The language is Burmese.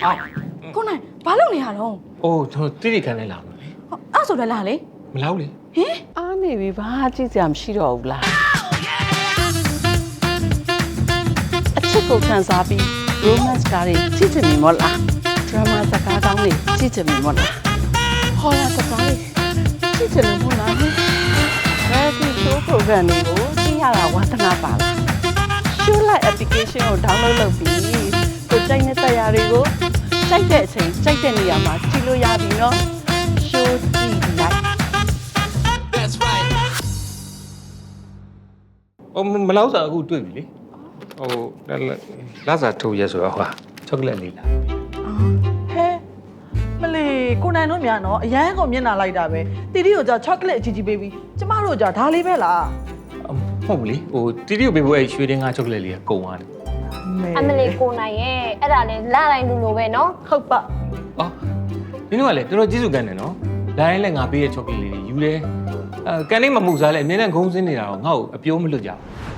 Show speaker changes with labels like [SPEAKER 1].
[SPEAKER 1] ကိုနိုင်ဘာလုပ်နေရတော့
[SPEAKER 2] အိုးကျွန်တော်တိတိခန်းနဲ့လာမှာလေ
[SPEAKER 1] အဲ့ဆိုလည်းလာလေ
[SPEAKER 2] မလောက်လေ
[SPEAKER 1] ဟင်
[SPEAKER 3] အားနေပြီဘာကြည့်စရာမရှိတော့ဘူးလားအချစ်ကိုခံစားပြီး romance ကားတွေကြည့်ချင်ပြီမို့လား drama စကားကောင်းတွေကြည့်ချင်ပြီမို့လား horror စကားတွေကြည့်ချင်လို့မို့လား reality show program တွေကိုကြည့်ရတာဝါသနာပါလား show like application ကို download လုပ်ပြီးကိုကြိုက်တဲ့တရားတွေကိုကြိုက်တဲ့အချိန်ကြိုက်တဲ့နေရာမှာကြည့်လို့ရပြီနော် show ကြည့်လိုက်
[SPEAKER 2] အိုးမလောက်စားအခုတွေ့ပြီလေဟိုလာစားထုတ်ရဲဆိုတော့ဟာချောကလက်လေးလာ
[SPEAKER 4] ဟဲမလီကိုနိုင်တို့မြန်တော့အရန်ကိုမျက်နှာလိုက်တာပဲတီတီကိုကြာချောကလက်အကြီးကြီးပေးပြီးကျမတို့ကြာဒါလေးပဲလား
[SPEAKER 2] ဟုတ်ဘူးလေဟိုတီတီကိုပေးဖို့အဲ့ရွှေတင်းကားချောကလက်လေးကကုန်သွားတယ်
[SPEAKER 5] အမလေးကိုနိုင်ရဲ့အဲ့ဒါလည်းလာတိုင်းလူလိုပဲနော်
[SPEAKER 4] ဟုတ်ပါ
[SPEAKER 2] အော်ဒီနေ့ကလည်းတော်တော်ကျေးဇူးကန်တယ်နော်လိုင်းလည်းငါပေးရဲ့ချောကလက်လေးတွေယူတယ်ကန်လေးမမှုစားလဲအမြဲတမ်းဂုံးစင်းနေတာတော့ငါ့ကိုအပြိုးမလွတ်ကြဘူး